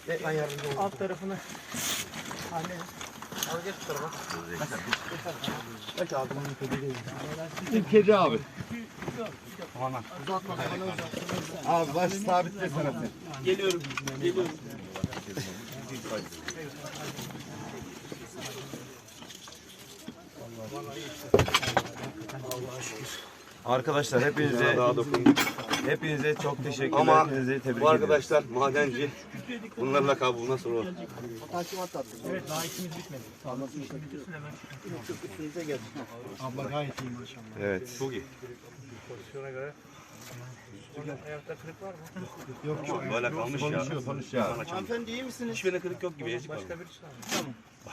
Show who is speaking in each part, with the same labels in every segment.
Speaker 1: Ben yardımcı olayım.
Speaker 2: Alt tarafını. Anne.
Speaker 1: Al geç bu tarafa. Geç abi.
Speaker 3: Bizim kedi abi.
Speaker 1: Tamam. Uzatma.
Speaker 3: Abi baş sabitlesene sen.
Speaker 2: Geliyorum. Geliyorum.
Speaker 4: Arkadaşlar hepinize çok teşekkürler.
Speaker 3: Ama
Speaker 4: Hepinizi tebrik
Speaker 3: bu
Speaker 4: ediyorum.
Speaker 3: arkadaşlar madenci. Bunlarla kabuğu nasıl olur?
Speaker 1: Takimat da attım.
Speaker 2: Evet daha işimiz bitmedi. Sağlık işimiz bitirsin hemen.
Speaker 1: Çok üstünüze geldi.
Speaker 2: Abla gayet iyi maşallah.
Speaker 4: Evet.
Speaker 3: Çok iyi.
Speaker 2: Pozisyona göre. Ayakta kırık var mı?
Speaker 3: Yok böyle kalmış ya.
Speaker 4: Konuş ya.
Speaker 1: Hanımefendi iyi misiniz?
Speaker 3: Hiçbirine kırık yok gibi.
Speaker 2: Başka birisi var mı? Tamam.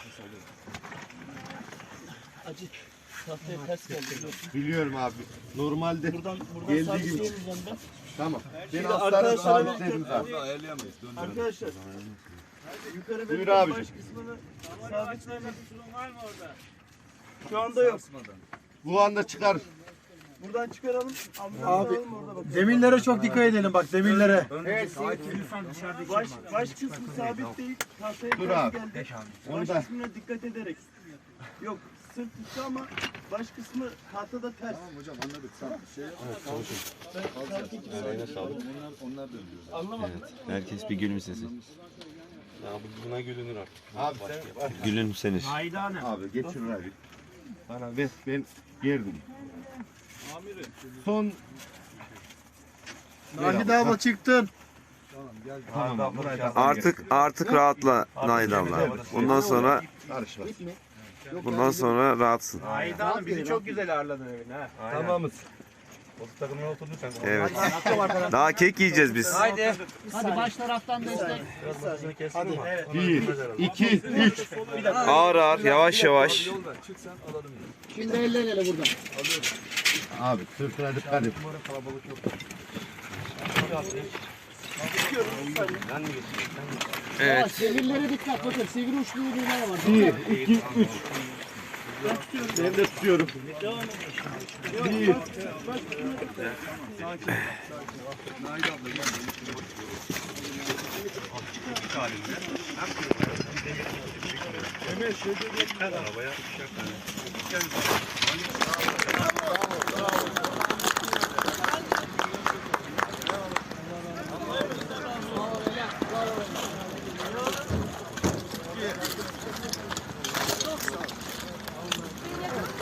Speaker 1: Acı. Tahtaya ters geldi.
Speaker 3: Biliyorum abi. Normalde
Speaker 1: Buradan
Speaker 3: geldiği gibi.
Speaker 1: sabitleyemeyeceğim ben.
Speaker 3: Tamam. Ben
Speaker 1: Şimdi
Speaker 3: aslanı
Speaker 1: arkadaşlara
Speaker 3: sabitlerim zaten.
Speaker 1: Arkadaşlar. Yukarı
Speaker 3: Buyur
Speaker 1: belirten
Speaker 3: abicim.
Speaker 1: baş kısmını sabitleyelim. Şu anda yok.
Speaker 3: Bu anda çıkar.
Speaker 1: Buradan çıkaralım.
Speaker 2: Abi,
Speaker 1: Alalım, orada bakalım.
Speaker 2: Demirlere çok dikkat edelim bak demirlere.
Speaker 1: Baş kısmı sabit değil. Tahtaya
Speaker 3: Dur
Speaker 1: ters
Speaker 3: abi.
Speaker 1: geldi.
Speaker 3: Onu
Speaker 1: Baş
Speaker 3: da-
Speaker 1: kısmına dikkat ederek. Yok sırt üstü ama baş kısmı tahtada ters. Tamam hocam anladık. Tamam.
Speaker 4: Herkes bir gülümsesin.
Speaker 3: Ya buna gülünür artık. Abi sen
Speaker 4: Gülümsenir.
Speaker 3: Abi geçir abi. Bana ver ben gerdim. Son
Speaker 2: Nahide abla çıktın.
Speaker 3: tamam buraya
Speaker 4: Artık rahatla Nahide abla. Bundan sonra rahatsın.
Speaker 2: Nahide Hanım bizi çok güzel ağırladın evine ha.
Speaker 3: tamamız. O takımına oturdun sen.
Speaker 4: Evet. Daha kek yiyeceğiz biz.
Speaker 2: Hadi baş taraftan destek.
Speaker 1: Hadi.
Speaker 3: 1, 2, 3.
Speaker 4: Ağır ağır, yavaş yavaş.
Speaker 2: Şimdi eller ele buradan.
Speaker 3: Abi sırtına dikkat et.
Speaker 4: Evet.
Speaker 2: Sevirlere dikkat bakın. Sivri uçlu iğneler var.
Speaker 3: 1, 2, 3. Ben de tutuyorum. 1.